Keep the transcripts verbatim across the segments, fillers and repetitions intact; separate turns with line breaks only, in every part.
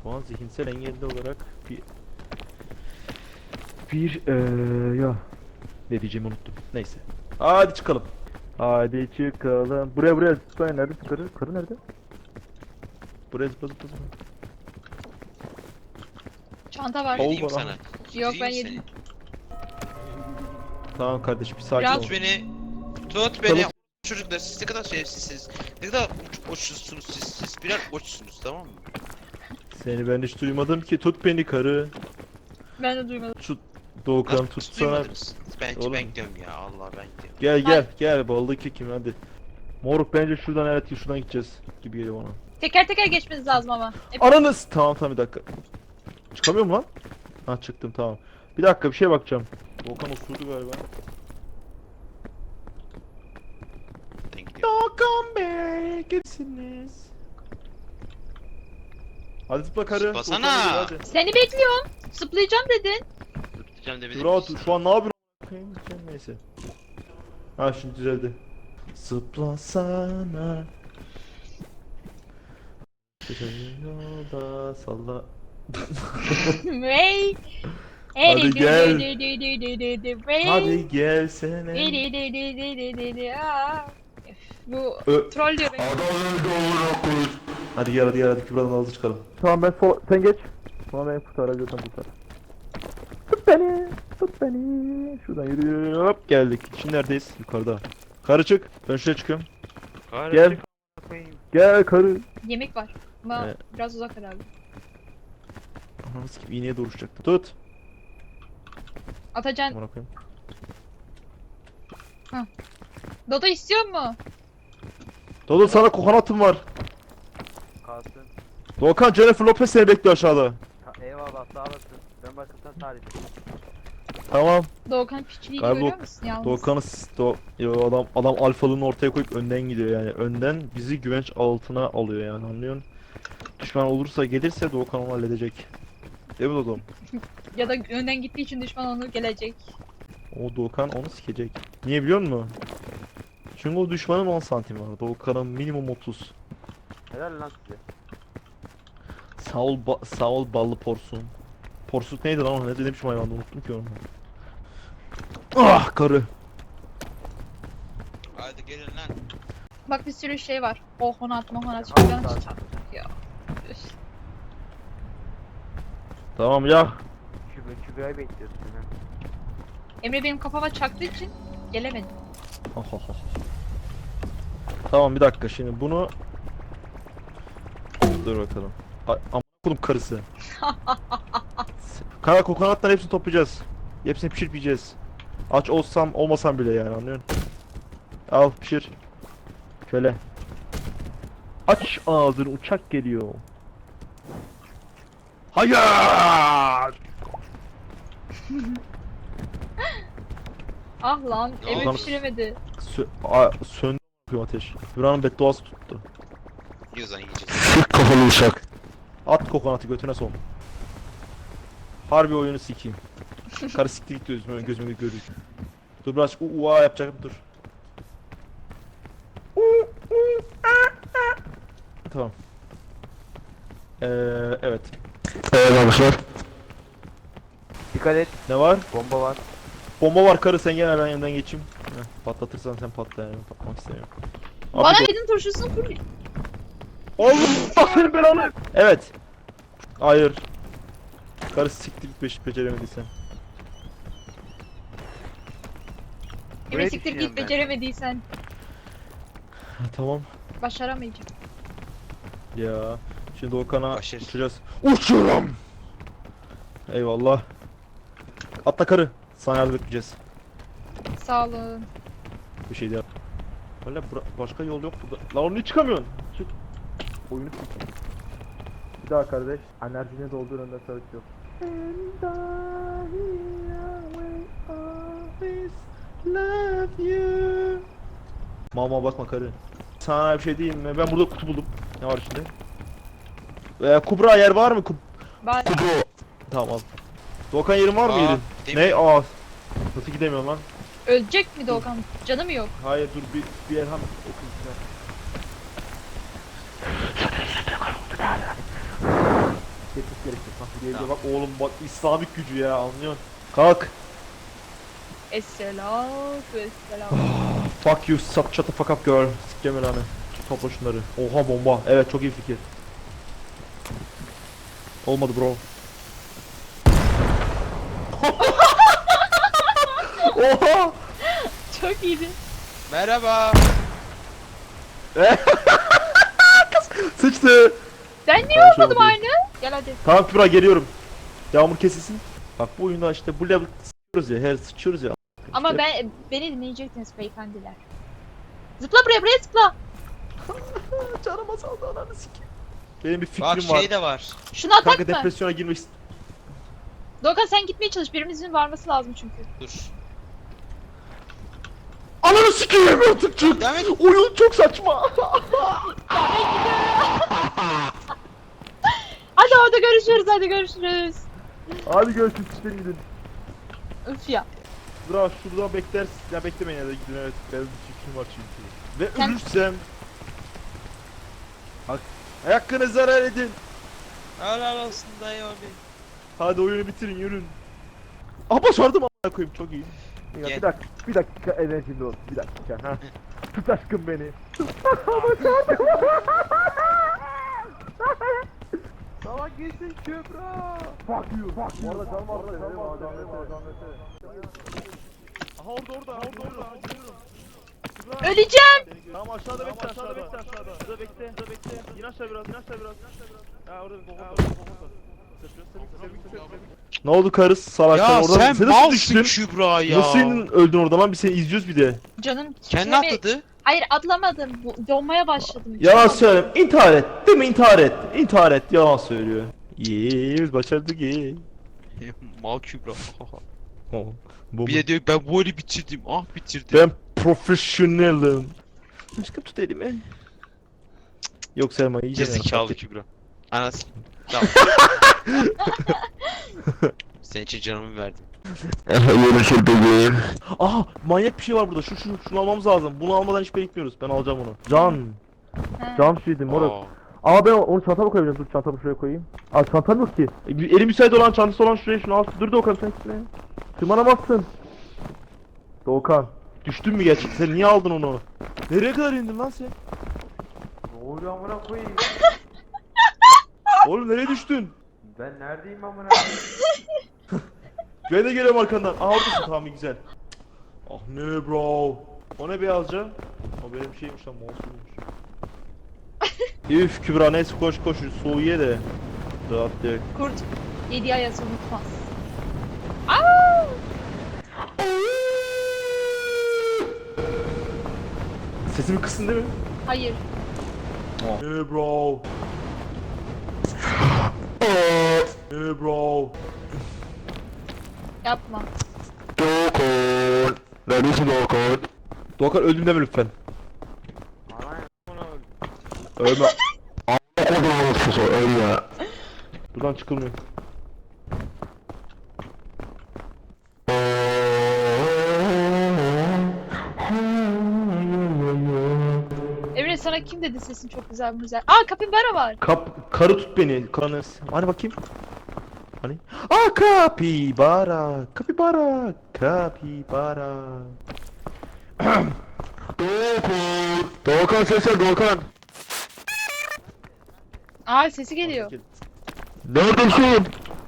Şu an zihinsel engelli olarak bir bir eee ya ne diyeceğimi unuttum. Neyse. Hadi çıkalım. Hadi çıkalım. Buraya buraya zıplayın. Nerede karı? Karı nerede? Buraya zıpla zıpla zıpla.
Çanta var.
Ol
Vereyim
bana.
sana.
Yok ben
Vereyim
yedim.
Tamam kardeşim bir sakin
Biraz-
ol.
Tut beni. Tut beni. Çocuklar siz ne kadar şerefsizsiniz. Ne kadar uç, uçsuzsunuz siz. Siz birer uçsunuz, tamam mı?
Seni ben hiç duymadım ki. Tut beni karı.
Ben de duymadım.
Tut Doğukan
Nasıl
tutsana.
duymadınız? Ben,
Oğlum.
ben gidiyorum ya, Allah ben gidiyorum.
Gel gel gel ballı kekim hadi. Moruk bence şuradan evet şuradan gideceğiz gibi geliyor bana.
Teker teker geçmeniz lazım ama. Hep...
Ananız! Tamam tamam bir dakika. Çıkamıyor mu lan? Ha çıktım tamam. Bir dakika bir şeye bakacağım. Volkan osurdu galiba.
Ben gidiyorum.
Volkan Bey gitsiniz. Hadi zıpla karı.
Zıplasana.
Volkan Bey, hadi.
Seni bekliyorum. Zıplayacağım dedin.
Tutacağım demedim.
Dur rahat şu an ne yapıyorsun? Bakayım, neyse. Ha şimdi düzeldi. Zıplasana. Yolda salla.
Hey.
Hadi gel.
Hey.
Hadi gelsene.
Aa. Üf, Bu
Ö-
troll diyor beni.
Hadi gel hadi gel hadi Kübra'dan hızlı çıkalım. Tamam ben sol sen geç. Sonra beni kurtarabiliyorsan kurtar. Tut beni, tut beni. Şuradan yürü. Hop geldik. Şimdi neredeyiz? Yukarıda. Karı çık. Ben şuraya çıkıyorum. Gel. Gel karı.
Yemek var. Ama
Evet.
biraz uzak herhalde.
Ananı sikeyim iğneye doğru uçacaktım. Tut.
Atacan.
Amına koyayım.
Dodo istiyor mu?
Dodo sana kokonatım var.
Kalsın.
Doğukan Jennifer Lopez seni bekliyor aşağıda.
Ha, eyvallah sağ olasın. Ben başkasına tarif edeyim.
Tamam.
Doğukan piçliğini
Galiba
görüyor
o-
musun yalnız?
Doğukan'ı s- do Yo, adam adam alfalığını ortaya koyup önden gidiyor yani. Önden bizi güvenç altına alıyor yani anlıyorsun? Düşman olursa gelirse Doğukan onu halledecek. Değil mi Dodom?
Ya da önden gittiği için düşman onu gelecek.
O Doğukan onu sikecek. Niye biliyor musun? Çünkü o düşmanın on santim var. Doğukan'ın minimum otuz.
Helal lan size.
Sağ ol, ba sağ ol ballı porsun. Porsuk neydi lan o? Ne demişim hayvanda unuttum ki onu. Ah karı.
Hadi gelin lan.
Bak bir sürü şey var. Ohonat mohonat
Tamam,
şuradan
tamam.
çıkacak ya. Üf.
Tamam ya.
Kübra, Kübra'yı bekliyorsun ha.
Emre benim kafama çaktığı için gelemedim.
Tamam bir dakika şimdi bunu dur bakalım. Ay, amına koydum karısı. Kara kokonatların hepsini toplayacağız. Hepsini pişirip yiyeceğiz. Aç olsam olmasam bile yani anlıyorsun? Al pişir. Şöyle. Aç ağzını uçak geliyor. Hayır!
Ah lan
Ne
Emre
oldu?
pişiremedi.
Sö A söndü ateş. Buranın bedduası tuttu.
Yiyorsan yiyeceğiz.
Sık kafalı uşak. At kokonatı götüne son. Harbi oyunu sikeyim. Karı siktir git gözüme, gözüme görüyor. Dur biraz uua yapacağım dur. Tamam. Ee, evet. Evet arkadaşlar.
Dikkat et.
Ne var?
Bomba var.
Bomba var karı sen gel ben yanından geçeyim. Heh, patlatırsan sen patla yani patlamak istemiyorum. Abi
Bana
dur.
yedin turşusunu full.
Oğlum bak senin belanı. Evet. Hayır. Karı siktir git beş beceremediysen.
Emre
Buraya
siktir
düşüyorum
git
ben.
beceremediysen.
Ha, tamam.
Başaramayacağım.
Ya. Şimdi Okan'a
Başarı.
uçacağız. Uçurum. Eyvallah. Atla karı. Sana yardım edeceğiz.
Sağ olun.
Bir şey değil. Öyle bura- başka yol yok burada. Lan onu niye çıkamıyorsun? Çık. Oyunu çık. Bir daha kardeş. Enerjine doldur önden sarık yok. Mama bakma karı. Sana bir şey diyeyim mi? Ben burada kutu buldum. Ne var içinde? Ee, Kubra yer var mı? Kub
Ben
tamam al. Doğukan yerin var mı
Aa,
yerin?
gidemiyorum.
Ne? Aa. Nasıl gidemiyorum lan?
ölecek mi Doğukan? Canı mı yok?
Hayır dur bir bir Erhan okuyayım. etmesi gerekiyor. Bak bir de bak oğlum bak İslamik gücü ya anlıyorsun. Kalk.
Esselam. Esselam.
Fuck you, shut, shut the fuck up girl. Sikeceğim lan. Topla şunları. Oha bomba. Evet çok iyi fikir. Olmadı bro. Oha!
Çok iyiydi.
Merhaba.
Sıçtı.
Ben niye
Ben şu
olmadım
an
aynı? Gel hadi.
Tamam Kübra geliyorum. Yağmur kesilsin. Bak bu oyunda işte bu level sıçıyoruz ya. Her sıçıyoruz ya.
Ama
İşte-
ben beni dinleyecektiniz beyefendiler. Zıpla buraya buraya zıpla.
Canım azaldı ananı sikeyim. Benim bir fikrim
Bak
var.
şey de var.
Şunu atak
Kanka
mı?
depresyona girmek ist-
Doğukan sen gitmeye çalış. Birimizin varması lazım çünkü.
Dur.
Ananı sikeyim artık çık.
Devam et.
Oyun çok saçma.
Hadi orada görüşürüz hadi görüşürüz.
Hadi görüşürüz işte gidin.
Üf ya.
Bra şurada beklersin. Ya beklemeyin ya da gidin evet. Benim bir fikrim var çünkü. Ve
Sen-
ölürsem. Hak. Hakkını zarar edin.
Helal olsun dayı abi.
Hadi oyunu bitirin yürün. Ah başardım a**a koyayım çok iyi. Ya,
Gel.
bir dakika, bir dakika enerjimde olsun, bir dakika ha. Tut aşkım beni. Tamam geçsin Kübra. Fuck you, fuck you. Orada can var, can var, can var, can var. Aha orada orada, orada orada. Kübra.
Öleceğim.
Tamam aşağıda bekle, aşağıda bekle, aşağıda. Burada bekle, burada bekle. İn aşağı biraz, in aşağı biraz. Ha orada bir bomba var, bomba var. Ne oldu karıs salaklar
Ya
orada?
sen
nasıl
malsın
düştün?
Kübra ya.
Nasıl indin öldün orada lan biz seni izliyoruz bir de.
Canım
Kendi
titreme-
atladı.
Hayır atlamadım. Bu- Donmaya başladım.
Yalan söyleme intihar et değil mi intihar et intihar et yalan söylüyor. İyi biz başardık iyi.
Mal Kübra.
Oh, bu
Bir de diyor ben bu oyunu bitirdim. Ah bitirdim.
ben profesyonelim. Aşkım tut elimi. Yok Selma iyice
Gerizekalı Kübra. Anasını. Tamam. Senin için canımı verdim.
Aha manyak bir şey var burada şu şu şunu almamız lazım. Bunu almadan hiçbir yere gitmiyoruz. Ben alacağım onu. Can.
Ha.
Can şeydi moruk.
Aa.
Ama ben onu çantama koyacağım. Dur çantamı şuraya koyayım. Aa çantam yok ki. E, bir- Eli müsait olan çantası olan şuraya şunu al. Dur Doğukan sen gitme. Tırmanamazsın. Doğukan. Düştün mü gerçekten? Sen niye aldın onu? Nereye kadar indin lan sen?
Ne oluyor amına koyayım?
Oğlum nereye düştün?
Ben neredeyim amına?
Ben de geliyorum arkandan. Aa oradasın tamam iyi, güzel. Ah ne bro. O ne beyazca? O benim şeymiş lan mouse'uymuş. Üf Kübra neyse koş koş soğuğu ye de. Rahat diye.
Kurt yedi ayası unutmaz. Aa!
Sesimi kısın değil mi?
Hayır.
Ne bro. Ne bro.
Yapma.
Doğukan. Neredesin Doğukan? Doğukan öldüm deme lütfen.
Ana
Ölme. A**a ölme. Buradan çıkılmıyor.
Emre sana kim dedi sesin çok güzel güzel. Aa kapibara var.
Kap karı tut beni. Kanı. Hani bakayım. Hani? Aa kapibara. Kapibara. Kapibara. Doğukan. Doğukan sesler Doğukan.
Aa sesi geliyor.
Neredesin?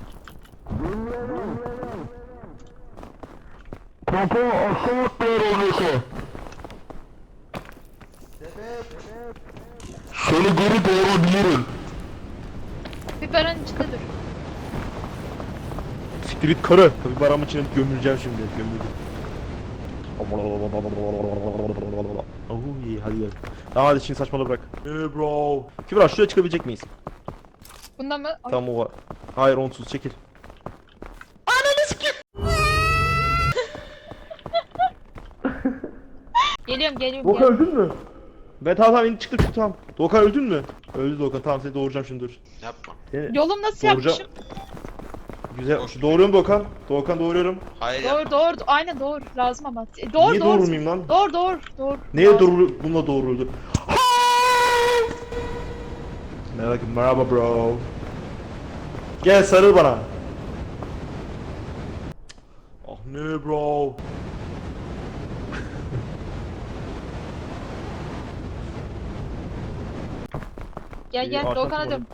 Papa aşağı atmıyor oluyorsa. Seni geri doğurabilirim.
Kapibaranın içinde dur.
Siktir git karı. Tabii baramın içine gömüleceğim şimdi. Gömüldüm. Oh iyi hadi gel. Tamam hadi şimdi saçmalığı bırak. Eee bro. Kübra şuraya çıkabilecek miyiz?
Bunda mı? Ay,
Tamam o var. Hayır onsuz çekil. Ananı sikeyim.
Geliyorum geliyorum.
Doğukan
geliyorum.
öldün mü? Ben tamam tamam indi çıktım çıktım tamam. Doğukan öldün mü? Öldü Doğukan tamam seni doğuracağım şimdi dur.
Yapma.
Seni...
Yolum nasıl
Doğuracağım.
yapmışım?
Güzel. Doğuruyorum Doğukan. Doğukan doğuruyorum.
Hayır
Doğru
yapma.
doğru. Aynen doğru. Lazım ama. E, Doğru
Niye
doğru.
doğurmayayım lan?
Doğru doğru. Doğru.
Neye
Lazım.
doğru bununla doğruldu? Merak etme merhaba bro. Gel sarıl bana. Ah ne bro.
Gel
İyi,
gel
arkasına
Doğukan'a
bak.
dön.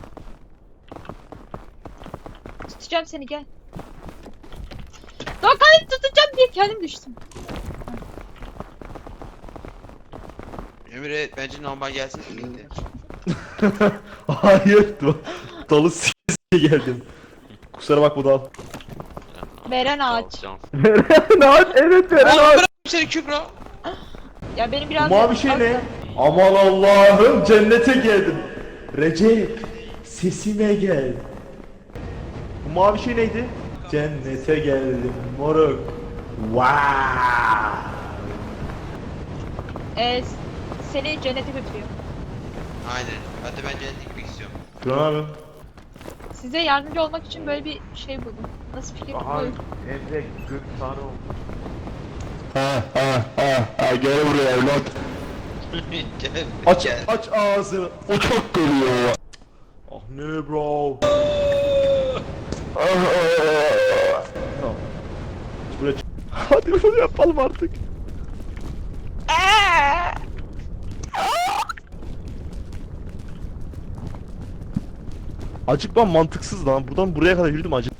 Tutacağım seni gel. Doğukan'ı tutacağım diye kendim düştüm.
Emre bence normal gelsin birlikte.
Hayır. Dalı s***ye geldim. Kusura bakma dal.
Veren ağaç.
Veren ağaç, evet veren
Oğlum
ağaç.
bırak seni Kübra.
Ya benim
Bu
biraz...
mavi şey ne?
Asla-
Aman Allah'ım cennete geldim. Recep sesime gel. Bu mavi şey neydi? Cennete geldim moruk. Wow.
Ee, seni cennete götürüyor.
Aynen. Hadi ben cennete gitmek istiyorum.
Şuran abi.
Size yardımcı olmak için böyle bir şey buldum. Nasıl fikir?
Aha
Buyurun.
Emre gök tanrı oldu.
Ha ha ha ha gel buraya evlat.
Gel.
Aç
gel.
aç ağzını. O çok geliyor. Ah ne bro. Tamam. Buraya çık. Hadi bunu yapalım artık. Acıkmam mantıksız lan. Buradan buraya kadar yürüdüm acık.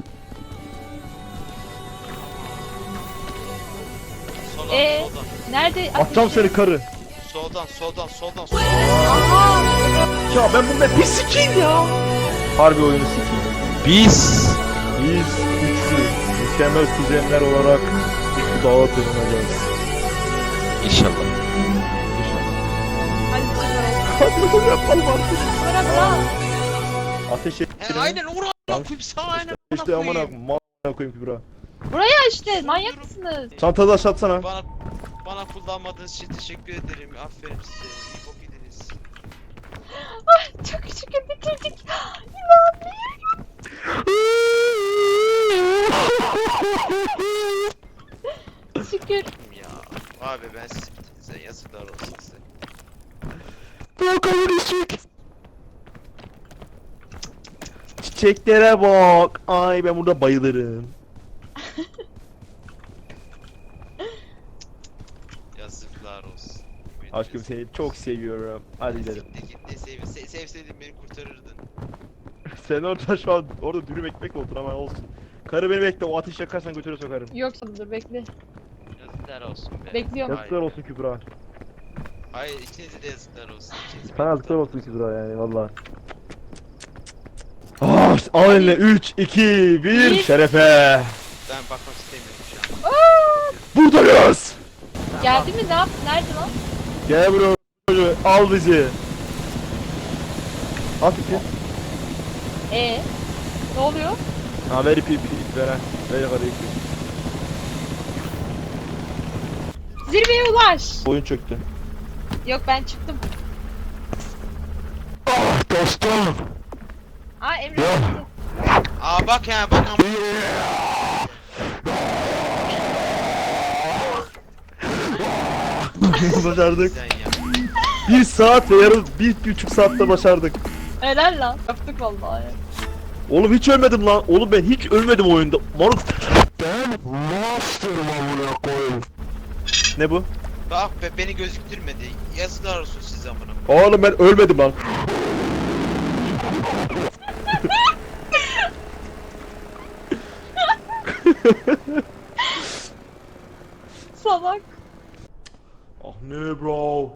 Soldan,
Ee?
soldan.
Nerede?
Atacağım seni karı.
Soldan, soldan, soldan, soldan.
Aha!
Ya ben bu map'i sikeyim ya. Harbi oyunu sikeyim.
Biz
Biz güçlü, mükemmel kuzenler olarak bu dağa tırmanacağız.
inşallah.
Hadi çıkalım.
Hadi bunu yapalım artık.
Bırak bırak.
Ateş et.
He aynen uğra koyayım sana aynen.
İşte
amına
amına
koyayım.
koyayım koyayım Kübra.
Buraya işte manyak mısınız?
Çantada aşatsana.
Bana bana kullanmadığınız için teşekkür ederim. Aferin size. İyi bok yediniz.
Çok şükür bitirdik. İnanmıyorum. Şükür.
Ya abi ben sizi bitirdim. Yazıklar olsun size.
Çiçeklere bak. Ay ben burada bayılırım.
Yazıklar olsun.
Aşkım seni çok seviyorum. Hadi gidelim.
Git git ne sev, se, sevseydin beni kurtarırdın.
Sen orada şu an orada dürüm ekmek oldun ama olsun. Karı beni bekle, o ateş yakarsan götüre sokarım.
Yok dur bekle.
Yazıklar olsun be.
Bekliyorum.
Yazıklar olsun Kübra.
Hayır ikinize de yazıklar olsun. İkiniz
Sana
beni
yazıklar olsun
kurtardınız.
Kübra yani valla. Ah, al eline üç, iki, bir,
Bir.
şerefe.
Ben bakmak istemiyorum şu an.
Buradayız.
Geldi mi? Ne yaptı? Nerede lan?
Gel bro, al bizi. Al fikir.
Ee, ne oluyor?
Ha ver ipi ipi ip ver ha. Ver yukarı ipi.
Zirveye ulaş.
Oyun çöktü.
Yok ben çıktım.
Ah dostum.
Aa Emre
Ya.
gitti.
Aa bak ya bak ama.
Başardık.
Sen ya.
Bir saat ve yarım, bir buçuk saatte başardık.
Helal lan. Yaptık vallahi.
Oğlum hiç ölmedim lan. Oğlum ben hiç ölmedim oyunda. Moruk. Ben master'ım amına koyayım. Ne bu?
Bak be beni gözüktürmedi. Yazıklar olsun size amına.
Oğlum ben ölmedim lan.
Salak.
Ah ne bro.